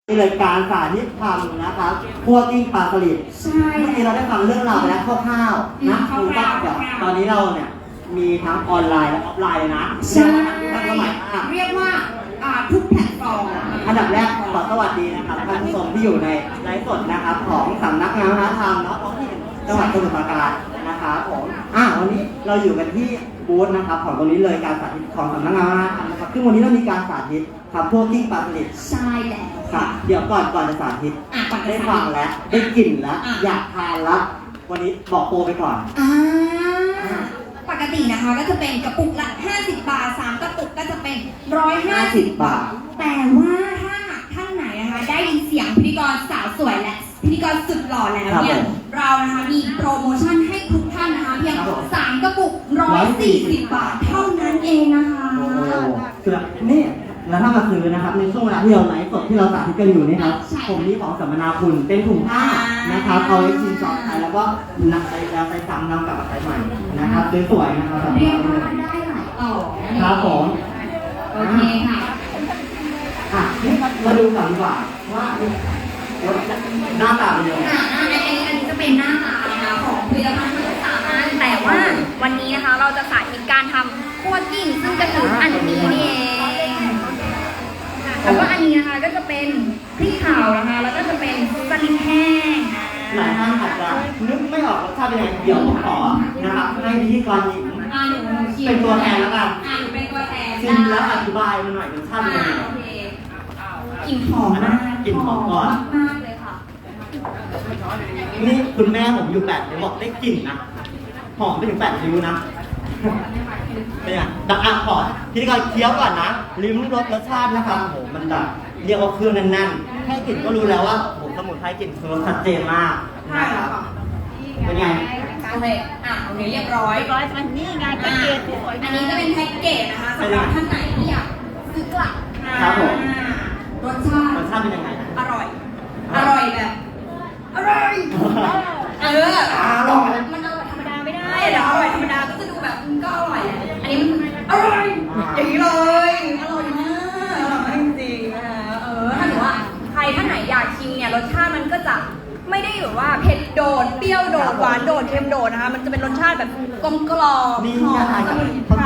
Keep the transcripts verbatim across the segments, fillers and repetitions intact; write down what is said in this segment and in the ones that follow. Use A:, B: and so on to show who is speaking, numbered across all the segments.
A: นี่เลยการสาธิตทำนะครับพวกกิ้งปลาสลิดใช่เมื่อกี้เราได้ฟังเรื่องราวไปแล้วคร่าวๆนะคือว่าแบบตอนนี้เราเนี่ยมีทั้งออนไลน์และออฟไลน์เลยนะใช่ทันสมัยมาก
B: เรียกว่าทุกแพลตฟอร์ม
A: อันดับแรกขอสวัสดีนะครับท่านผู้ชมที่อยู่ในไลฟ์สดนะครับของสำนักงานวัฒนธรรมเนาะท้องถิ่นจังหวัดสมุทรปราการนะครับผมอ่ะวันนี้เราอยู่กันที่บูธนะครับของตรงนี้เลยการสาธิตของสำนักงานวัฒนธรรมนะครับซึ่งวันนี้เรามีการสาธิตทำพวกกิ้งปลาสลิด
B: ใช่แล้ว
A: ค่ะเดี๋ยวก่อนก่อนจะสาธิตได้ฟังแล้วได้กลิ่นแล้วอยากทานแล้ววันนี้บอกโปรไปก่อน
B: อ่าปกตินะคะก็จะเป็นกระปุกละห้าสิบบาทสามกระปุกก็จะเป็นหนึ่งร้อยห้าสิบบาทแต่ว่าถ้าหากท่านไหนนะคะได้ยินเสียงพิธีกรสาวสวยและพิธีกรสุดหล่อแล้วเนี่ยเรานะคะมีโปรโมชั่นให้ทุกท่านนะคะเพียงสามกระปุกหนึ่งร้อยสี่สิบบาทเท่านั้นเองนะคะ
A: โอ้คือนี่แล้วถ้ามาซื้อนะครับในช่วงเวลาที่เราไลฟ์สดที่เราสาธิตกันอยู่นี่ครับผมนี้ของสัมมนาคุณเป็นถุงผ้านะครับเอาไว้ชิมช็อปใช้แล้วก็นำไปแล้วไปซ้ำนำกลับมาใช้ใหม่นะครับสวยๆนะครับ
B: เรียกว่าได้หลายต่อ
A: ครับผม
B: โอเคค่ะ
A: อ่ะนี่มาดูก่อนดีกว่าว่าหน้าตาเป็นยังไง
B: อันนี้อันนี้จะเป็นหน้าตาของผลิตภัณฑ์ทั้งสามอันแต่ว่าวันนี้นะคะเราจะสาธิตการทำคั่วกิ้งซึ่งจะคืออันนี้นี่เองแล้วก็อันนี้นะคะก็จะเป็นพริกเผานะคะแล้วก็จะเป็นสลิดแห้ง
A: หลายท่านอาจจะนึกไม่ออกรสชาติเป็นยังไงเดี๋ยวผมขอนะครับให้พิธีกรหญิงเป็นตัวแทนแล้วกัน
B: อ่าหนูเป็นตัวแทน
A: ชิมแล้วอธิบายมันหน่อยรสชาติเป็นยังไง
B: กลิ่นหอมมาก
A: กลิ่นหอมก่อน
B: มากเลยค่ะ
A: นี่คุณแม่ผมอยู่แปดนิ้วบอกได้กลิ่นนะหอมไปถึงแปดนิ้วนะเป็นไงดังอ่ะขอพิธีกรเคี้ยวก่อนนะลิ้มรสรสชาตินะครับโหมันแบบเรียกว่าเครื่องแน่นๆแค่กลิ่นก็รู้แล้วว่าโหสมุนไพรกลิ่นคือรสชัดเจนมากนะครับเป็นไง
B: โอเคอ่ะโอเคเรียบร้อย
C: ร้อยมันนี่ไงแพ็กเกจสวย
B: อันนี้จะเป็นแพ็กเกจนะคะสำหรับท่านไหนที่อยากซื้อกลับ
A: ครับผม
B: รสชาติ
A: รสชาติเป็นยังไง
B: อร่อยอร่อยแบบอร่อยเออ
A: อร่อย
B: มันอร่อยธรรมดาไม่ได้เดี๋ยวอร่อยธรรมดาก็จะดูแบบก็อร่อยอันนี้มันอร่อยอย่างนี้เลยอร่อยมากอร่อยจริงๆนะคะเออถ้าถือว่าใครท่านไหนอยากชิมเนี่ยรสชาติมันก็จะไม่ได้อยู่ว่าเผ็ดโดดเปรี้ยวโดดหวานโดดเค็มโดดนะคะมันจะเป็นรสชาติแบบกลมกล่อมหอมสมุนไพร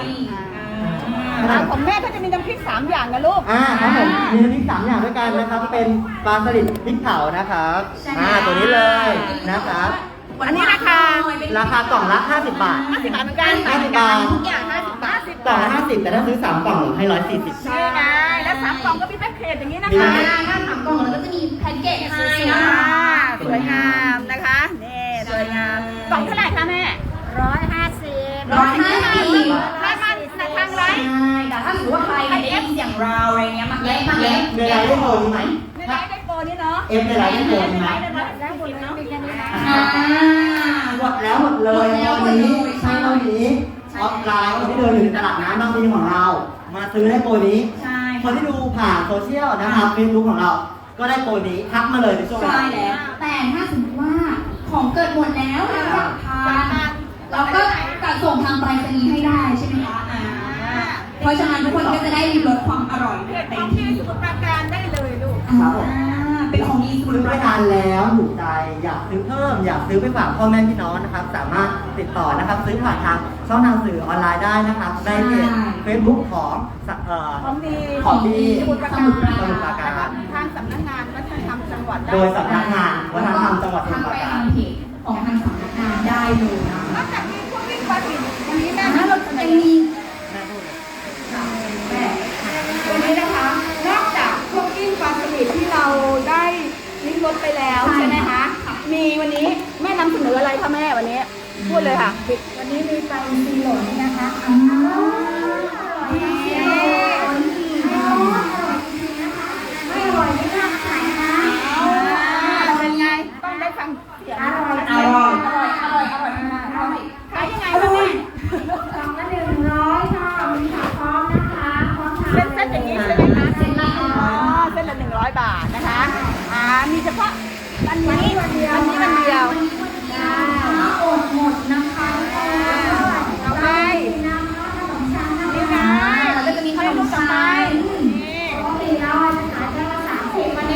C: ของแม่ก็จะมีน้ำพริกสามอย่างนะลูก
A: อ่าครับผมมีน้ำพริกสามอย่างด้วยกันนะครับเป็นปลาสลิดพริกเผานะครับอ่าตัวนี้เลยนะครับ
C: อันนี้ราคา
A: ราคากล่องละห้าสิบบาท
C: ห้าสิบบาทเหมือนกัน
A: ห้าสิบบาท
B: ทุกอย่างห้าสิบบาท
A: กล่องละห้าสิบแต่ถ้าซื้อสามกล่องให้ร้อยสี่สิบ
C: ใช่ไงแล้วสามกล่องก็มีแพ็กเกจอย่างนี้นะคะ
B: ถ้าสามกล่องแล้วก็จะมีแพ็กเกจให้นะคะ
C: สวยงามนะคะนี่สวยงามกล่องเท่าไหร่คะแม่ร้อยห้าสิบ
B: ร้อยห้าสิบ
C: แม่มาในทางไร
B: แต่ถ้าสมมติว่าใครได้ยินอย่างเราอะไรเงี้ยมาเล็กมาเล็ก
A: เวลาได้โปรไหม
C: ในไลฟ์ได้โปรนี่เนาะ
A: เอฟในไลฟ์ได้โปรไหม
C: ได้หมดแล้วมีแค่นี้นะ
A: หมดแล้วหมดเลยวันนี้ใช่วันนี้ออฟไลน์ที่เดินอยู่ในตลาดน้ำบางทีของเรามาซื้อได้โปรนี้คนที่ดูผ่านโซเชียลนะครับเฟซบุ๊กของเราก็ได้โปรนี้ทักมาเลยในช่วง
B: ใช่แล้วแต่ถ้าสมมติว่าของเกิดหมดแล้วแล้วอยากทานเราก็จะส่งทางไปรษณีย์ให้ได้ใช่ไหมคะเพราะฉะนั้นทุกคนก็จะได้ริมรสความอร่อย
C: เต็มที่สมุทรปราการได้เลยลูก
A: ครับผม
B: เป็นของดี
A: ซื้อไปทานแล้วถูกใจอยากซื้อเพิ่มอยากซื้อไปฝากพ่อแม่พี่น้องนะครับสามารถติดต่อนะครับซื้อผ่านทางช่องทางสื่อออนไลน์ได้นะครับในเพจเฟซบุ๊กของ
C: ของดี
A: ของดี
C: สมุทรปรา
A: การ
C: ทางสำนักงานวัฒนธรรมจังหวัด
A: โดยสำนักงานวัฒนธรรมจังหวัดสมุทรปราการ
B: ของทางสำนักงานได้เลยนะ
C: นอกจากมีพวกวิ่งปลาสิวันนี้แม่
B: เราจะมี
C: วันนี้นะคะนอกจากพวกกิ้งปลาสลิดที่เราได้ลิ้มรสไปแล้วใช่ไหมคะมีวันนี้แม่นำเสนออะไรคะแม่วันนี้พูดเลยค่ะ
B: วันนี้มีปลาอินทรีหล่นนะคะอ๋อไม่อร่อยไม่น่าขายนะ
C: เป็นไงต้องได้ฟังเสียง
B: อร่อยอร่อยอร่อยอร่อยอร่อยมากอร่อย
C: ขายยังไงคะแม่
B: กล่องละหนึ่งร้อยค่ะมีขาพร้อมนะคะพร้อมทาน
C: เส้นเส้นอย่างนี้ใช่ไหมคะเส้นละอ๋อเส้นละหนึ่งร้อยบาทนะคะอ่ามีเฉพาะวันนี้วันเดียววันนี้วันเดียว
B: อดหมดนะคะ
C: เอาไปนี่ไงเราจะมีขนมปังนี่
B: ก็มีร้อยนะคะจะละสามสิบวัน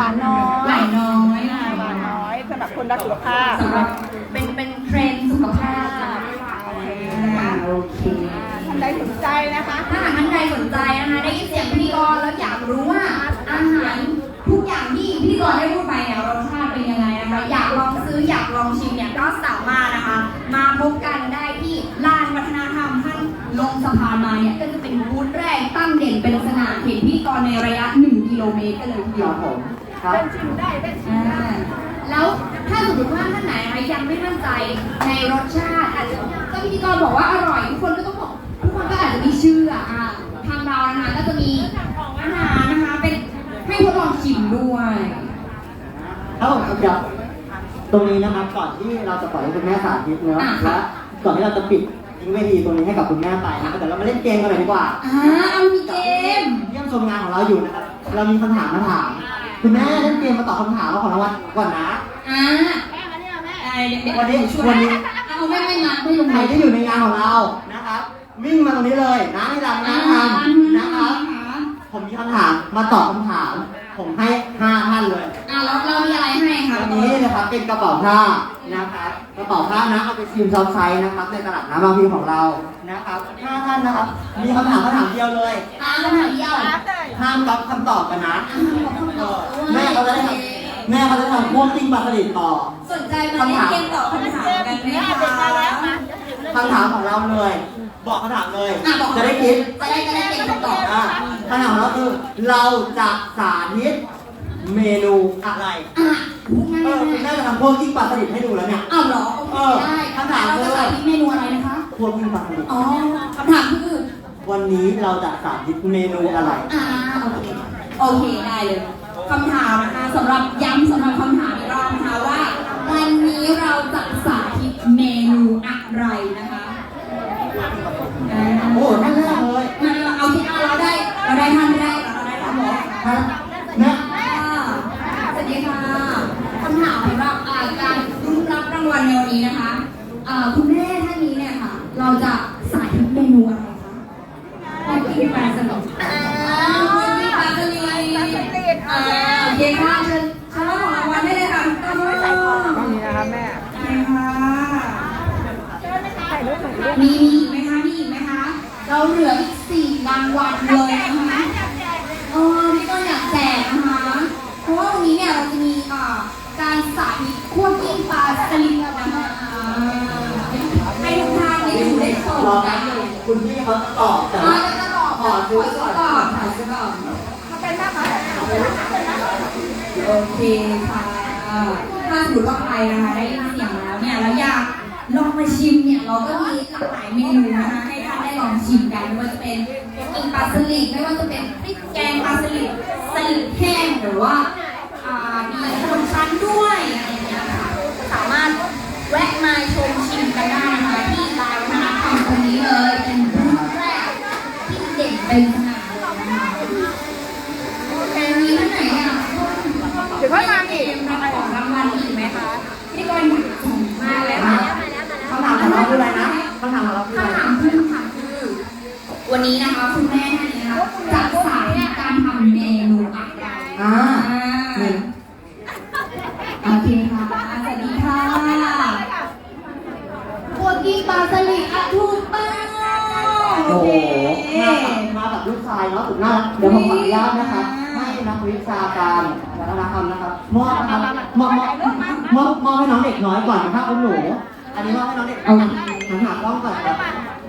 C: านน้อย
B: หวานน้อย
C: อ่าหวานน้อยสำหรับคนรักสุขภาพ
B: สำหรับเป็นเป็นเทรนด์สุขภาพ
C: โอเค
B: อ่าโอเค
C: ท่านใดสนใจนะคะ
B: ถ้าหากท่านใดสนใจนะคะได้ยินเสียงพิธีกรแล้วอยากรู้ว่าอาหารทุกอย่างที่พิธีกรได้พูดไปเนี่ยรสชาติเป็นยังไงนะคะอยากลองซื้ออยากลองชิมเนี่ยก็สามารถนะคะ มาพบกันได้ที่ลานวัฒนธรรมท่านลงสะพานมาเนี่ยก็จะเป็นบูธแรกตั้งเด่นเป็นสนามเห็นพิธีกรในระยะหนึ่งกิโลเมตรกันเลยทีเดียว
A: ผมครับ
C: เป็นชิมได้เป็นชิม
B: อ่า
C: ได้
B: แล้วถ้าสมมติว่าท่านไหนนะคะยังไม่มั่นใจในรสชาติอาจจะก็พิธีกรบอกว่าอร่อยทุกคนก็ต้องบอกทุกคนก็อาจจะไม่เชื่ออ่ะทางเรานะคะก็จะมีอาหารนะคะเป็นให้ทดลองชิมด้วย
A: ครับผมเดี๋ยวตรงนี้นะครับก่อนที่เราจะปล่อยให้คุณแม่สาธิตเนอะ
B: อ่าค่ะ
A: และก่อนที่เราจะปิดทิ้งเวทีตรงนี้ให้กับคุณแม่ไปนะครับเดี๋ยวเรามาเล่นเกมกันเลยดีกว่า
B: อ่าเอามีเกม
A: เยี่ยมชมงานของเราอยู่นะครับเรามีคำถามมาถามคุณแม่เล่นเกมมาตอบคำถามเราของรางวัลก่อนนะ
B: อ่า
C: แม่มาเนี่ยแม่
B: ไอ้เด็กๆ
A: วันนี้
B: ช่วย
A: วันนี้
B: เอาไม่ไม่มาไม่ลง
A: ใครที่อยู่ในงานของเรานะครับ วิ่งมาตรงนี้เลยนะที่ร้าน
B: อ่า
A: น้ำทำนะครับ ผมมีคำถามมาตอบคำถาม ผมให้ห้าท่านเลย
B: อ่าเราเรามีอะไรให้คะ
A: วันนี้นะครับเป็นกระเป๋าผ้านะครับกระเป๋าผ้านะเอาไปซิมซอฟไซส์นะครับในตลาดน้ำบางพลีของเรานะครับห้าท่านนะครับ มีคำถามคำถามเดียวเลย
B: อ่าคำถามเดียว
A: ห้ามรับคำตอบกันนะ
B: เออ
A: แม่เขาจะได้ทำแม่เขาจะทำพวกติ้งปลาสลิดต่อ
B: สนใจมาเล่นเกมตอบคำถามกันไหมคะ
C: เด็กมาแล้วมา
A: คำถามของเราเลย บอกคำถามเลย
B: อ่ะบอก
A: จะได้คิด
B: จะได้จะได้เก่งคำตอบ
A: อ่ะคำถามของเราคือเราจะสาธิตเมนูอะไร
B: อ่ะพูดง่าย
A: เออคุณ
B: ๆ
A: แม่จะทำพวกกิ้งปลาสลิดให้ดูแล้วเนี่ย
B: อ้าวเหรอโอเค
A: เออ
B: ได้
A: คำถาม
B: เรา
A: คือ
B: จะสาธิตเมนูอะไรนะคะ
A: พวกกิ้งปลาสลิด
B: อ๋อคำถามคือ
A: วันนี้เราจะสาธิตเมนูอะไร
B: อ่าโอเคโอเคได้เลยคำถามนะคะสำหรับย้ำสำหรับคำถามอีกรอบนะคะว่าวันนี้เราจะสาธิตเมนูอะไรนะคะอ่า
A: โอ้ท่านแรกเลย
B: มาเอาที่เราได้เราได้ท่านแรกเราได้ท่านหมอ
A: ท่านแม่
B: สวัสดีค่ะคำถามสำหรับอ่าการรุ้นรับรางวัลในวันนี้นะคะอ่าคุณแม่ท่านนี้เนี่ยค่ะ เราจะสาธิตเมนูอะไรคะคุกกี้ปลาสลิดอ่าคุกกี้ปลาสลิด
C: ปลาสลิด
B: อ่าโอเคค่ะเชิญเชิญรับของรางวัลได้เลยค่ะทุกท่าน
C: ใส่ของนี่นะคะแม่
B: โอเคค่ะ
C: ใส่รูปหน่อยลูก
B: มีมีอีกไหมคะมีอีกไหมคะเราเหลืออีกสี่รางวัลเลยนะคะเออพี่ก็อยากแจกนะคะ เพราะว่าวันนี้เนี่ยเราจะมีอ่าการสาธิตคั่วกิ้งปลาสลิดนะคะอ่าให้ทุกท่านได้ดูได้ชม
A: รอ
B: กั
A: นะ
B: นเลย
A: คุณพี่เขาตอบแต่
B: อ่าจะตอบ
A: ขอซื้อก่อน
B: ก่อนขอซื้อก่อน
C: เขาเป็นแม่ค้า
B: โอเคค่ะถ้าสมมติว่าใครนะคะได้ยินเสียงแล้วเนี่ยแล้วอยากลองมาชิมเนี่ยเราก็มีหลากหลายเมนูนะคะให้ท่านได้ลองชิมกันไม่ว่าจะเป็นกิ้งปลาสลิดไม่ว่าจะเป็นพริกแกงปลาสลิดสลิดแห้งหรือว่าอ่ามีคนชั้นด้วยอะไรอย่างเงี้ยค่ะสามารถแวะมาชมชิมกันได้นะคะที่ร้านวัฒนธรรมตรงนี้เลยเป็นบูธแรกที่เด่นเป็นสง่าเลยนะคะโอเคมีท่านไหนอ่ะ
C: เดี๋ยวค่อยมาอีก
B: รับของรางวัลอีกไหมคะพี่กรณ์ส่งมาเลยค่ะ
A: คำถามของเราคืออะไรนะคำถามของเราคืออะไร
B: คำถามคือคำถามคือ วันนี้นะคะคุณแม่ท่านนี้นะคะจะสาธิตการทำเมนูอะไร
A: อ่าหนึ่ง
B: โอเคค่ะสวัสดีค่ะพวกกิ้งปลาสลิดอ่ะถูกต้อง
A: โอ้โหมากับมากับลูกชายเนาะสุดน่ารักเดี๋ยวผมขออนุญาตนะคะให้นักวิชาการวัฒนธรรมนะครับมอบนะครับมอบมอบมอบมอบให้น้องเด็กน้อยก่อนนะครับคุณหนู อันนี้มอบให้น้องเด็กเอาหันหากล้องก่อนครับ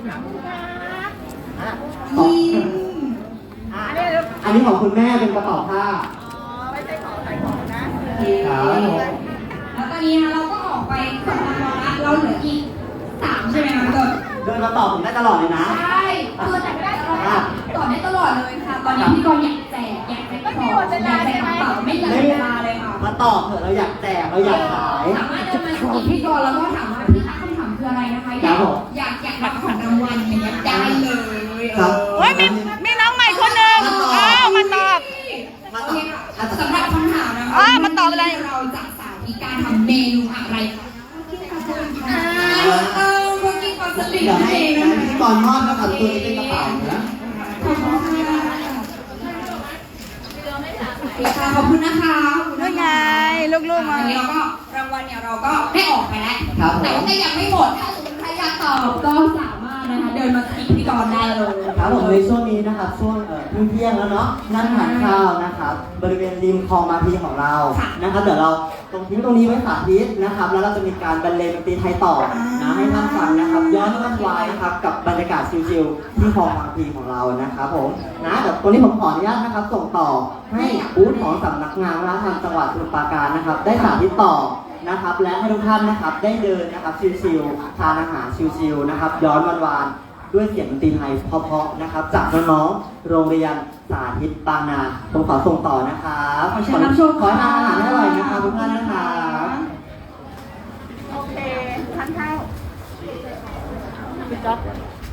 A: อ่ะขอ
B: ยิ้ม
A: อ่ะอันนี้ของคุณแม่เป็นกระเป๋าผ้า
C: ไม่ใช่ของใส่ของนะ
B: โอเคแล้วตอนนี้นะคะเราก็ออกไปสองรางวัลละเราเหลืออีกสามใช่ไหมคะกด
A: เดินมาตอบผมได้ตลอดเลยนะ
B: ใช่คือแต่ไม่ได้ตลอดต่อได้ตลอดเลยค่ะ ตอนนี้พี่กรณ์อยากแจกอยากแจกของอยากแจกกระเป๋าไม่เหลือเวลาเลยค่ะ
A: มาตอบเถอะเราอยากแจกเราอยากขาย
B: สามารถจะมาสกิดพี่กรณ์แล้วก็ถามว่าพี่คะคำถามคืออะไรนะคะ อยากอยากอยากรับของรางวัลอย่างเงี้ยได้เลย
A: ครับ
C: โอ้ยมีมีน้องใหม่คนหนึ่งอ้าวมาตอบ
A: มา
B: โอ
A: ตอ
B: เค
A: บ
B: ค่ะสำหรับคำถามนะคะ
C: อ่ามาตอบอะไร
B: เราจะสาธิตการทำเมนูอะไรคะอ่าเออคุกกิ้งปลาสลิด
A: เดี๋ยว
B: นั่น
A: ให้
B: เองนะ
A: ให้
B: คะ
A: พิธีกรมอบนะครับตัวนี้เป็นกระเป๋านะ
B: ขอบคุณค่ะเคค่ะขอบคุณนะคะขอบคุณ
C: ด้วย
B: นะ
C: ไง
B: คะ
C: ลูกๆมา
B: อันนี้เราก็รางวัลเนี่ยเราก็ได้ออกไปแล้ว
A: ครับผม
B: แต่ว่าก็ยังไม่หมด ถ้าสมมติใครอยากตอบก็สามารถนะคะเดินมาที่พิธีกรได้เลย
A: ครับผมในช่วงนี้นะครับช่วงเอ่อเที่ยงๆแล้วเนาะนั่งทานข้าวนะครับบริเวณริมคลองมาพีของเรา
B: ค่ะ
A: นะครับเดี๋ยวเราตรงทิ้งตรงนี้ไว้สาธิตนะครับแล้วเราจะมีการบรรเลงดนตรีไทยต่อนะให้ท่านฟังนะครับย้อนวันวายนะครับกับบรรยากาศชิลๆที่คลองมาพีของเรานะครับผมนะเดี๋ยวตรงนี้ผมขออนุญาตนะครับส่งต่อให้บูธของสำนักงานวัฒนธรรมจังหวัดสมุทรปราการนะครับได้สาธิตต่อนะครับและให้ทุกท่านนะครับได้เดินนะครับชิลๆทานอาหารชิลๆนะครับย้อนวันวาน ด้วยเสียงดนตรีไทยเพราะๆนะครับจากน้องๆโรงเรียนสาธิตบางนาผมขอส่งต่อนะครับ
B: ขอเชิญรับชม
A: ขอให้ทานอาหารให้อร่อยนะครับทุกท่านนะครับ
C: โอเคทานข้าวพี่จ๊อบ